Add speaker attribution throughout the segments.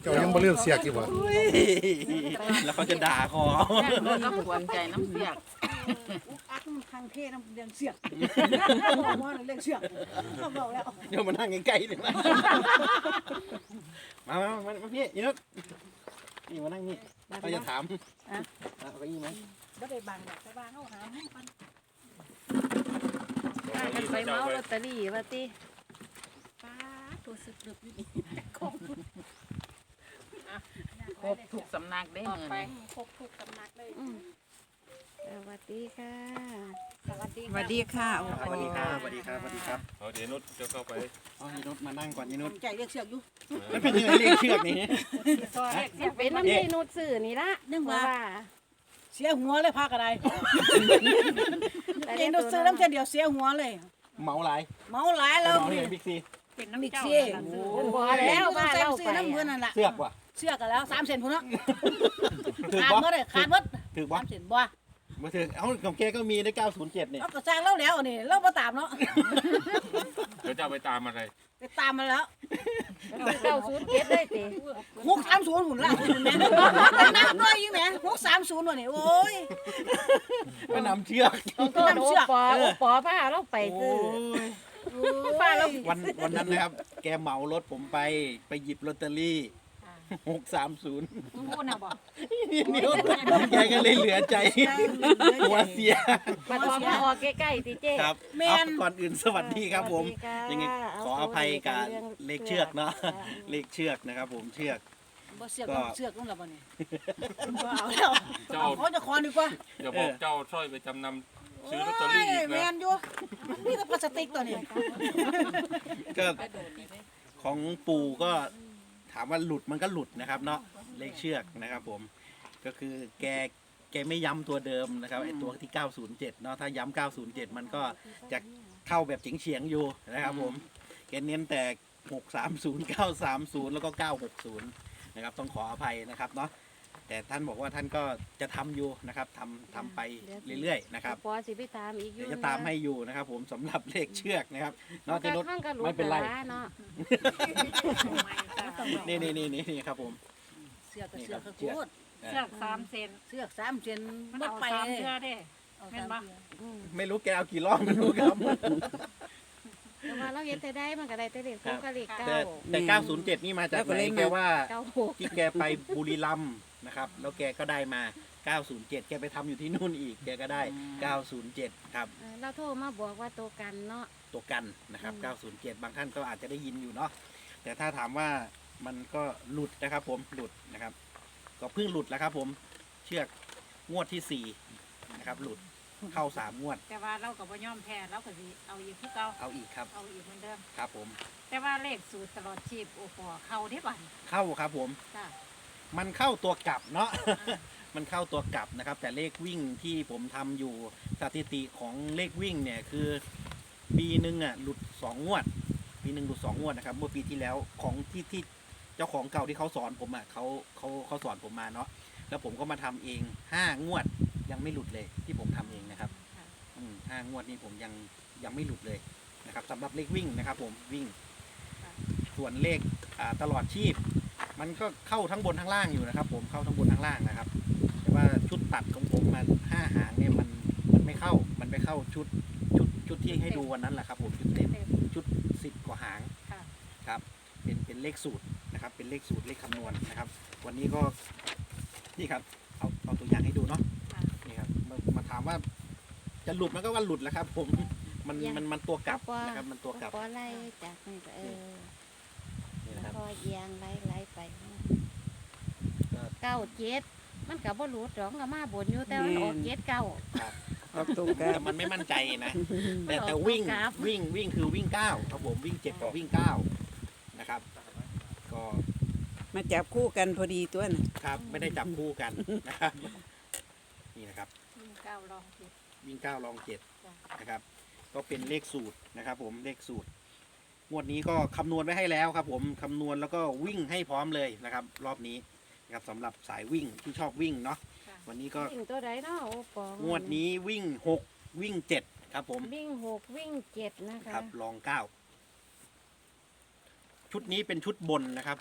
Speaker 1: จ้ายังบ่เลือกเสียกอยู่บ่
Speaker 2: แล้วเขาจะด่าคอ
Speaker 3: เราก็หวนใจน้ำเสียก
Speaker 4: อักมันทางเทน้ำเลี้ยงเสือกบอกว่าเลี้ยงเสือกเขาบอกแล้ว
Speaker 2: เดี๋ยวมานั่งใกล้ๆเลยมาพี่ยืนนี่มานั่งนี่เราจะถามเอาไปยี่ไหม
Speaker 4: บ่ได้บางแบบไปบางเอาหาให้มัน
Speaker 5: พากันไปเมาลอตเตอรี่ว่าติ
Speaker 4: ป้าตัวสึกดึกอยู่นี่
Speaker 3: ครบทุกสำนักได้
Speaker 4: ออก
Speaker 3: เงิน
Speaker 4: ไปครบทุกตำหนักเลย
Speaker 5: สวัสดีค่ะ
Speaker 4: สวัสดี
Speaker 6: สวัสดีค่ะ
Speaker 2: สวัสดีครับสวัสดีครับสวัสดีครับ
Speaker 7: เอาเดี๋ยวนุชจะเข้าไป
Speaker 2: อ๋อยีนุชมานั่งก่อนยีนุช
Speaker 4: ใจเลี้ยงเสือกอยู่
Speaker 2: มันเป็นยังไงเรียกเชือกนี่
Speaker 5: เป็นน้ำที่นูดสื่อนี่ละ
Speaker 4: นึกว่า
Speaker 5: ว่า
Speaker 4: เสียหัวเลยพากันได้
Speaker 5: แต่
Speaker 4: เองดูซื้อน้ำเช่นเดียวเสียหัวเลย
Speaker 2: เมาหลาย
Speaker 4: เมาหลายแล้ว
Speaker 2: เมาเลยบิ๊กซี
Speaker 4: เป็นน้ำมิกซี่
Speaker 5: บ่แล้วบ้านเรา
Speaker 4: ซื้
Speaker 5: ไป
Speaker 4: อน้ำเพื่อนนั่นแหละ
Speaker 2: เสือกว่ะ
Speaker 4: เสือกกันแล้ว3 เซนพุ่นเนาะ
Speaker 2: ถือ
Speaker 4: ขาด
Speaker 2: บ่
Speaker 4: เมื่อไรขาดเมื่อ
Speaker 2: ถือบ่
Speaker 4: 3 เซนบ่
Speaker 2: มาถือเอาของแกก็มีได้907เนี่ย
Speaker 4: เอาก็สร้างแล้วแล้วนี่เราบ่ตามเนาะ
Speaker 7: เดี๋ยวจะเอาไปตามอะไร
Speaker 4: ไปตามมาแล้ว
Speaker 5: 907ได้ติ
Speaker 4: 630หุ่นละหุ่นแม่นับด้วยยิ่งแม่630ว่ะนี่โอ้ย
Speaker 2: ก็นำเชือก
Speaker 5: ต้องโทษโอปอพาเราไปซื้อป้าเรา
Speaker 2: วันนั้นนะครับ แกเหมารถผมไปหยิบลอตเตอรี่630
Speaker 4: พูดนะบ่
Speaker 2: นิ้วแกก็เลยเหลือใจหัวเสีย
Speaker 5: บัดพอมาออกใกล้ๆติเจ้
Speaker 2: ครับเอาก่อนอื่นสวัสดีครับผม
Speaker 5: สวัสดีค่ะ
Speaker 2: ยังไงขออภัยกับเลขเชือกเนาะเลขเชือกนะครับผมเชือก
Speaker 4: บ่เสือกเสือกนู่นละบ่นี่บ่เอาแล้วเขาจะคอนดีกว่า
Speaker 7: อย่าบอกเจ้าสร้อยไปจำนำซื้อลอตเตอรี่อีก
Speaker 4: แม
Speaker 7: นะ
Speaker 4: นอยู่นี่ก็พลาสติกตัวนี้
Speaker 2: ก็ของปู่ก็ถามว่าหลุดมันก็หลุดนะครับเนาะเลขเชือกนะครับผมก็คือแกไม่ย้ำตัวเดิมนะครับไอ้ตัวที่907เนาะถ้าย้ำ907มันก็จะเข้าแบบเฉียงๆอยู่นะครับผมแกเน้นแต่630 930แล้วก็960นะครับต้องขออภัยนะครับเนาะแต่ท่านบอกว่าท่านก็จะทำอยู่นะครับทำไปเรื่อยๆนะครับ
Speaker 5: ปอสิไปตามอีกอยู่
Speaker 2: เดี๋ยวจะตามให้อยู่นะครับผมสำหรับเลขเชือกนะครับเนาะที่รถ
Speaker 5: ข้างก็รู้
Speaker 2: ไม่เป็นไร
Speaker 5: เนาะ
Speaker 2: นี่ครับผม
Speaker 4: เสือกกับเสือกคือพูด
Speaker 6: เชือก3 เซน
Speaker 4: เสือก3 เซน
Speaker 6: มัน
Speaker 4: บ่
Speaker 6: เอา
Speaker 4: ไป
Speaker 6: 3เทื่อเด้ แม่นบ่
Speaker 2: ไม่รู้แกเอากี่รอบไม่รู้ครับ
Speaker 5: แต่ว่าเราเห็นแต่ได้มันก็ได้แต่เลข2กับเลข
Speaker 2: แต่ 907 นี่มาจากไหนแกว่า
Speaker 5: 9
Speaker 2: ที่แกไปบุรีรัมย์นะครับแล้วแกก็ได้มา 907 แกไปทำอยู่ที่นู่นอีกแกก็ได้ 907 ครับ
Speaker 5: เราโทรมาบอกว่าตัวกันเนาะ
Speaker 2: ตัวกันนะครับ 907 บางท่านก็อาจจะได้ยินอยู่เนาะแต่ถ้าถามว่ามันก็หลุดนะครับผมหลุดนะครับ ก็เพิ่งหลุดแล้วครับผมเชือกงวดที่4นะครับหลุดเข้า3งวด
Speaker 6: แต่ว่าเราก็บ่ยอมแพ้เราก็สิเอาอีกคือเก่า
Speaker 2: เอาอีกครับ
Speaker 6: เอาอีกเหมือนเดิม
Speaker 2: ครับผม
Speaker 6: แต่ว่าเลขสูตรตลอดชีพโอ้โหเข้าได้บ่
Speaker 2: เข้าครับผม
Speaker 6: จ้า
Speaker 2: มันเข้าตัวกลับเนาะ มันเข้าตัวกลับนะครับ แต่เลขวิ่งที่ผมทำอยู่สถิติของเลขวิ่งเนี่ยคือปีหนึ่งอ่ะหลุด2งวด ปีหนึ่งหลุด2งวดนะครับเมื่อปีที่แล้วของที่เจ้าของเก่าที่เขาสอนผมอ่ะเขาสอนผมมาเนาะแล้วผมก็มาทำเอง5งวดยังไม่หลุดเลยที่ผมทำเองนะครับ5 งวดนี้ผมยังไม่หลุดเลยนะครับสำหรับเลขวิ่งนะครับ ผมวิ่ง ส่วนเลขตลอดชีพ มันก็เข้าทั้งบนทั้งล่างอยู่นะครับ ผมเข้าทั้งบนทั้งล่างนะครับ แต่ว่าชุดตัดของผมมัน5 หางเนี่ยมันไม่เข้ามันไปเข้าชุดที่ให้ดูวันนั้นแหละครับผมชุดเต็มชุด10 กว่าหางครับเป็นเลขสูตรนะครับ เป็นเลขสูตรเลขคำนวณนะครับ วันนี้ก็นี่ครับเอาตัวอย่างให้ดูเนาะนี่ครับมาถามว่าจะหลุดมันก็ว่าหลุดแล้วครับ ผมมันตัวกลับนะครับมันตัวกลับ
Speaker 5: ปอไล่จากนี่ก็
Speaker 2: นี่นะครับ
Speaker 5: พอเอียงไล่ไป97มันก็บ่หลุดหรอกก็มาบนอยู่แต่มันออก79
Speaker 2: ครับแต่มันไม่มั่นใจนะแต่วิ่งคือวิ่ง9ครับผมวิ่ง7กับวิ่ง9นะครับก็
Speaker 6: มาจับคู่กันพอดีตัวน่ะ
Speaker 2: ครับไม่ได้จับคู่กันนะครับนี่นะครับ
Speaker 6: 9ลองผิด
Speaker 2: วิ่ง9ลอง7นะครับก็เป็นเลขสูตรนะครับ ผมเลขสูตรงวดนี้ก็คำนวณไว้ให้แล้วครับ ผมคำนวณแล้วก็วิ่งให้พร้อมเลยนะครับ รอบนี้นะครับสำหรับสายวิ่งที่ชอบวิ่งเนาะวันนี้ก็
Speaker 5: วิ่งตัวใดเนาะโอ้ปอง
Speaker 2: งวดนี้วิ่ง6วิ่ง7ครับผม
Speaker 5: วิ่ง6วิ่ง7นะคะ
Speaker 2: ครับลอง9ชุดนี้เป็นชุดบนนะครับ ผม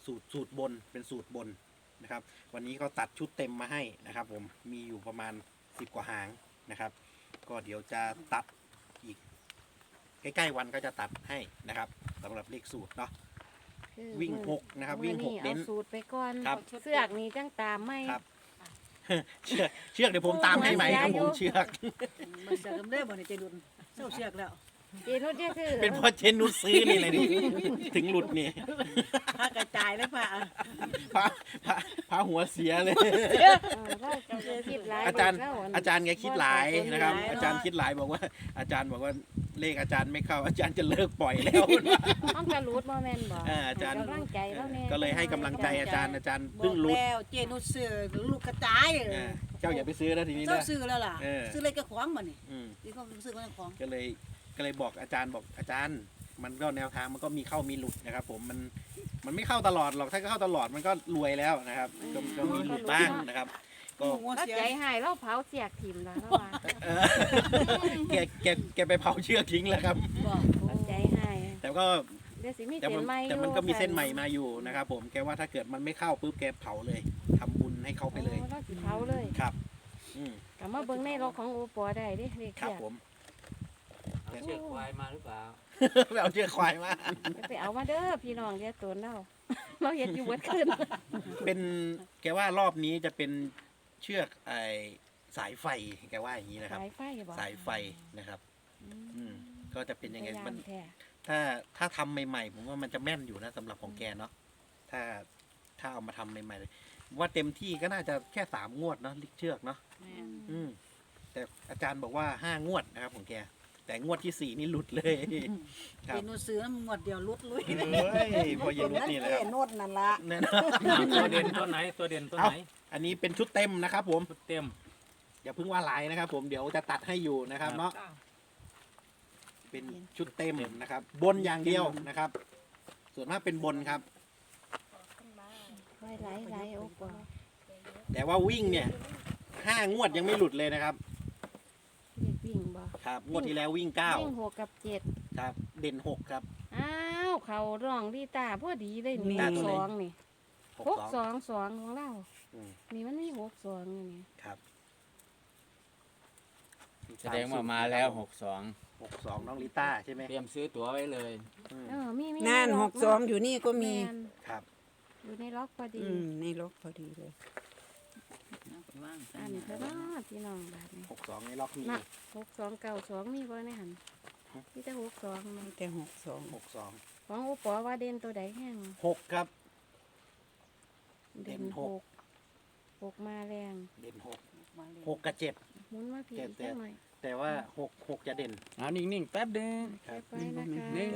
Speaker 2: สูตรบนเป็นสูตรบนนะครับ วันนี้ก็ตัดชุดเต็มมาให้นะครับ ผมมีอยู่ประมาณ10 กว่าหางนะครับ ก็เดี๋ยวจะตัดอีกใกล้ๆวันก็จะตัดให้นะครับสำหรับเลขสูตรเนาะ
Speaker 5: คือ
Speaker 2: วิ่ง
Speaker 5: มื้อ
Speaker 2: 6นะครับวิ่ง
Speaker 5: มื้อ
Speaker 2: 6เน้น
Speaker 5: อาสูตรไปก่อน
Speaker 2: ครับ
Speaker 5: เสือกนี่จังตามไม่
Speaker 2: ครับ เชือกเดี๋ยวผมตามให้ใหม่ครับผมเชือก
Speaker 4: มันเสือกกันได้บ่ในใจดุนเศร้าเสือกแล้ว
Speaker 5: เจนุชเนี่ยคือ
Speaker 2: เป็นเพราะเจนนุชซื้อนี่เลยนี่ถึงหลุดนี่
Speaker 4: พากระจายแล้วพา
Speaker 2: พาหัวเสียเลย
Speaker 5: เราจะคิดหลาย
Speaker 2: อาจารย์
Speaker 5: เะ
Speaker 2: อาจารย์แกคิดหลายนะครับ อาจารย์คิดหลายบอกว่า อาจารย์บอกว่าเลขอาจารย์ไม่เข้า อาจารย์จะเลิกปล่อยแล้ว
Speaker 5: ต้องกระรูดบ่แม่นบ่
Speaker 2: อาจารย์
Speaker 5: ให้กำลังใจแล้วแน่
Speaker 2: ก็เลยให้กำลังใจอาจารย์
Speaker 4: บอ
Speaker 2: เพิ่ง
Speaker 4: ก
Speaker 2: หลุด
Speaker 4: แล้วเจนุชเสือลูกกระจาย
Speaker 2: เจ้าอย่าไปซื้อแล้วทีนี้
Speaker 4: เจ้า
Speaker 2: นะ
Speaker 4: ซื้อแล้วล่ะ
Speaker 2: เออ
Speaker 4: ซื้ออะไรกระขวางมันนี่
Speaker 2: อืม
Speaker 4: ที่เขาซื้อก็ของ
Speaker 2: ก็เลยบอกอาจารย์บอกอาจารย์ มันก็แนวทางมันก็มีเข้ามีหลุดนะครับ ผมมันไม่เข้าตลอดหรอกถ้าเข้าตลอดมันก็รวยแล้วนะครับก็มีหลุดบ้างนะครับ ก็
Speaker 4: หัว
Speaker 5: เรา
Speaker 4: เสีย
Speaker 5: ใจหายเราเผาเสียกถิ่มแล้วเราว่า
Speaker 2: เออแกไปเผาเชือกทิ้งแล้วครับ
Speaker 4: บอก
Speaker 5: เราใจหาย
Speaker 2: แต่ก็
Speaker 5: เดี๋ยวสิมี
Speaker 2: แต่
Speaker 5: เส้
Speaker 2: มัน
Speaker 5: นใหม่อยู่
Speaker 2: แต่มันก็มีเส้นใหม่มาอยู่นะครับ ผมแกว่าถ้าเกิดมันไม่เข้าปุ๊บแกเผาเลยทำบุญให้เขาไปเลย
Speaker 5: โอ้เราสิเผาเลย
Speaker 2: ครับ อืม
Speaker 5: กลับมาเบิ่งในรถของโอปอได้เดิเรียก
Speaker 2: ครับ
Speaker 5: เสียก
Speaker 2: ผม
Speaker 1: เอาเชือกควายมาหรือเปล่า
Speaker 2: ไปเอาเชือกควายมา
Speaker 5: ไปเอามาเด้อพี่น้องเดี๋ยวตัวเราเราเห็นอยู่เบิดขึ้น
Speaker 2: เป็นแกว่ารอบนี้จะเป็นเชือกสายไฟแกว่าอย่างนี้นะครับ
Speaker 5: สายไฟบ่
Speaker 2: สายไฟนะครับ อืมก็จะเป็นยังไง
Speaker 5: พยายา
Speaker 2: มัน
Speaker 5: แท้
Speaker 2: ถ้าทำใหม่ๆผมว่ามันจะแม่นอยู่นะสำหรับของแกเนาะถ้าเอามาทำใหม่ๆเลยว่าเต็มที่ก็น่าจะแค่3 งวดเนาะลิกเชือกเนาะ อืมแต่อาจารย์บอกว่า5 งวดนะครับของแกแต่งวดที่4นี่หลุดเลยครั
Speaker 4: เจ
Speaker 2: บ
Speaker 4: นุชซื้อหมดเดียวลุดลุย
Speaker 2: เฮ้ยพอเย็นนุชนี่แหละครับ
Speaker 4: โนดนั่นละ
Speaker 2: แน่นอน
Speaker 1: ตัวเด่นตัวไหนตัวเด่นตัวไหน
Speaker 2: อันนี้เป็นชุดเต็มนะครับ ผม
Speaker 1: ชุดเต็ม
Speaker 2: อย่าเพิ่งว่าหลายนะครับ ผมเดี๋ยวจะตัดให้อยู่นะครับ เนาะเป็นชุดเต็มนะครับ บนอย่างเดียวนะครับ ส่วนมากเป็นบนครับ
Speaker 5: ไว้หลายโอปอ
Speaker 2: แต่ว่าวิ่งเนี่ย5 งวดยังไม่หลุดเลยนะครับ
Speaker 5: เรียกวิ่งบ่
Speaker 2: ครับงวดที่แล้ววิ่ง
Speaker 5: วิ่ง6 กับ
Speaker 2: 9ครับ เด่น6ครับ
Speaker 5: 7อ้าวเขาร้องดีตาพอดีเลยนี่
Speaker 2: ตาตัวไหน
Speaker 5: 2นี่
Speaker 2: 6 2
Speaker 5: 6-2-2ของเรา
Speaker 2: อืม
Speaker 5: นี่มันมี6-2อยู่นี่
Speaker 2: ครับ
Speaker 1: แสดงว่ามาแล้ว
Speaker 2: 62น้องลิต้าใช่ไหม
Speaker 1: 62 เตรียมซื้อตั๋วไว้เลย
Speaker 2: อืม
Speaker 5: มี
Speaker 6: นั่น
Speaker 5: ใล็
Speaker 6: 62อยู่นี่ก็มี
Speaker 5: แน
Speaker 2: ครับ
Speaker 5: อยู่ในล็อกพอดี
Speaker 6: ในรถพอดีเลย
Speaker 5: อันนี้เท่านั้นพี่น้องบาทนี่
Speaker 2: 62ในล็อกนี้
Speaker 5: น่ะ 6-2-9-2มีบ่ในหันมีแต่6-2มา
Speaker 6: แต่62
Speaker 2: 62
Speaker 5: ของโอปอว่าเด่นตัวใดแห้ง
Speaker 2: 6ครับ เด่นหก
Speaker 5: 6มาแรง
Speaker 2: เด่น6 6กับ7
Speaker 5: หมุนมาพี่
Speaker 2: เจ็
Speaker 5: อี
Speaker 2: ด
Speaker 5: ก
Speaker 2: เจ็
Speaker 5: จั
Speaker 2: ด
Speaker 5: งหน่อย
Speaker 2: แต่ว่า6จะเด่น
Speaker 1: เอานิ่งๆแป๊บเดียว
Speaker 2: ครับ
Speaker 5: ไปนะคะ
Speaker 1: นี่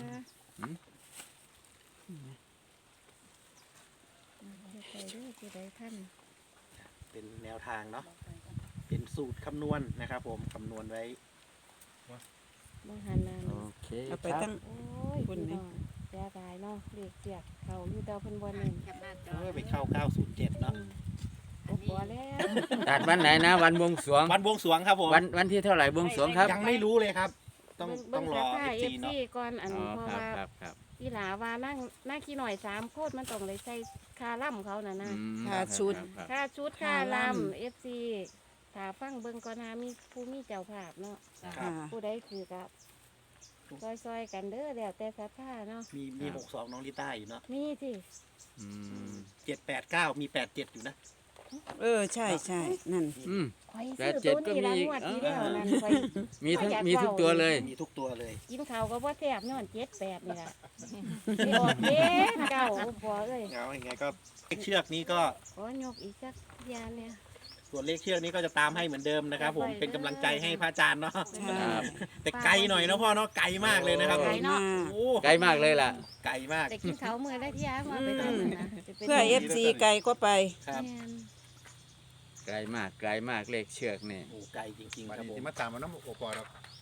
Speaker 5: ไปเด้อผู้ใดท่าน
Speaker 2: เป็นแนวทางเนาะเป็นสูตรคำนวณนะครับ ผมคำนวณไว้
Speaker 5: บ่หันนั่น
Speaker 1: โอเค
Speaker 6: เอาไป
Speaker 1: ครับ
Speaker 6: ตั้ง
Speaker 5: โอ้ย
Speaker 6: คุณ
Speaker 5: พี่
Speaker 6: นี่
Speaker 5: น้องเสียดายเนาะเรียกเสียกเขาอยู่แต่เพิ่นบ่เน้น
Speaker 2: ไปเข้า 907 เนาะ
Speaker 5: โอปอแล้ว
Speaker 1: ตัดวันไหนนะ วันบวงสรวง
Speaker 2: วันบวงสรวงครับผม
Speaker 1: วันที่เท่าไหร่บวงสรวงครับ
Speaker 2: ยังไม่รู้เลยครับ ต้อง
Speaker 5: เบิ่
Speaker 2: ต้องรอ
Speaker 5: สภาพ
Speaker 2: FC เนาะ
Speaker 5: ก่อนอัน
Speaker 1: อ๋อ
Speaker 5: เพราะ
Speaker 1: ครับ
Speaker 5: ว่า
Speaker 1: ครับครับ
Speaker 5: อีหลาว่านั่งขี้หน่อย3โคตรมันต้องได้ใส่คาล่ํเขาน่ะนะ
Speaker 1: อืม
Speaker 6: ค่าชุด
Speaker 1: ครับ
Speaker 5: ค่าชุดค่าลำ FC ถ้าฟังเบิ่งก่อนหามีผู้มีเจ้าภาพเนาะ
Speaker 2: ครั
Speaker 6: ค่ะ
Speaker 2: บ
Speaker 5: ผู้ใดถือกับซอยๆกันเด้อแล้วแต่ศรัทธาเนาะ
Speaker 2: มี62น้องลิต้าอยู่เนาะ
Speaker 5: มีสิ
Speaker 1: อืม
Speaker 2: 789 มี 87 อยู่นะ
Speaker 6: ใช่ใช่นั่น
Speaker 1: อืม
Speaker 5: ข่อย
Speaker 1: แป
Speaker 5: ซื้
Speaker 1: ด
Speaker 5: อ
Speaker 1: เจ็ด
Speaker 5: ตัวนี้
Speaker 1: ก็
Speaker 5: ละ
Speaker 1: มี
Speaker 5: งวด
Speaker 1: อี
Speaker 5: ที่
Speaker 1: ก
Speaker 5: แล้วนั่นข่อย
Speaker 1: มีทุกตัวเลย
Speaker 2: มีทุกตัวเลย
Speaker 5: กินข้าวก็บ่แซ่บย้อน78นี่ล่ะสิออกเด้เก่าบ่เอ้ย
Speaker 2: เอาอย่างไงก็เลขเชือกนี้ก็
Speaker 5: ขอยกอีกสักยานเนี่ย
Speaker 2: ส่วนเลขเชือกนี้ก็จะตามให้เหมือนเดิมนะครับ ผมเป็นกำลังใจให้พระอาจารย์เนาะ
Speaker 1: ครับ
Speaker 2: แต่ไกลหน่อยนะพ่อเนาะไกลมากเลยนะครับ
Speaker 5: ไกลเนาะ
Speaker 2: โอ้
Speaker 1: ใกล้มากเลยล่ะ
Speaker 2: ไกลมาก
Speaker 5: แต่กินข้าวมื้อละเที่ยมาไปทำนั่นนะจะป็น
Speaker 6: เพื่อ FC ไกลก็ไป
Speaker 2: ครับ
Speaker 5: แม่น
Speaker 1: ไกลมากเลขเชือกนี่
Speaker 2: โอ้ไกลจริงๆ
Speaker 8: วัน
Speaker 2: ครับ
Speaker 8: นี้
Speaker 2: ผม
Speaker 8: ที่มาตามมาน้ำโอปอเรา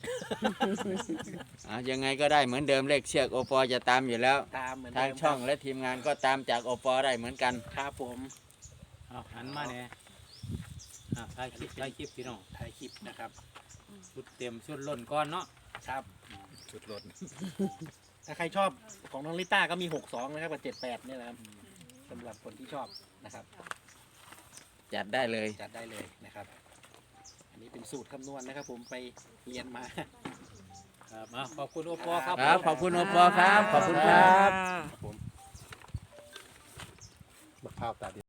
Speaker 1: ยังไงก็ได้เหมือนเดิมเลขเชือกโอปอจะตามอยู่แล้ว
Speaker 2: ตามเหมือน
Speaker 1: ทาง
Speaker 2: เดิม
Speaker 1: ช่องและทีมงานก็ตามจากโอปอได้เหมือนกัน
Speaker 2: ครับผม
Speaker 9: เอาหันมาเนี่ยถ่ายคลิปพี่น้อง
Speaker 2: ถ่ายคลิปนะครับ
Speaker 9: ชุดเต็มชุดล้นก้อนเนาะ
Speaker 2: ครับ
Speaker 8: สุดรถ
Speaker 2: ถ้าใครชอบของน้องลิต้าก็มี62นะครับกับ78เนี่ยนะครับำหรับคนที่ชอบนะครับ
Speaker 1: จัดได้เลย
Speaker 2: จัดได้เลยนะครับ อันนี้เป็นสูตรคำนวณนะครับ ผมไปเรียนมา
Speaker 9: ครับอ่ะขอบคุณโอปอครับ
Speaker 1: ครับ ขอบคุณโอปอครับ ขอบคุณครับ
Speaker 2: ผม
Speaker 8: บักพร้าวตาดี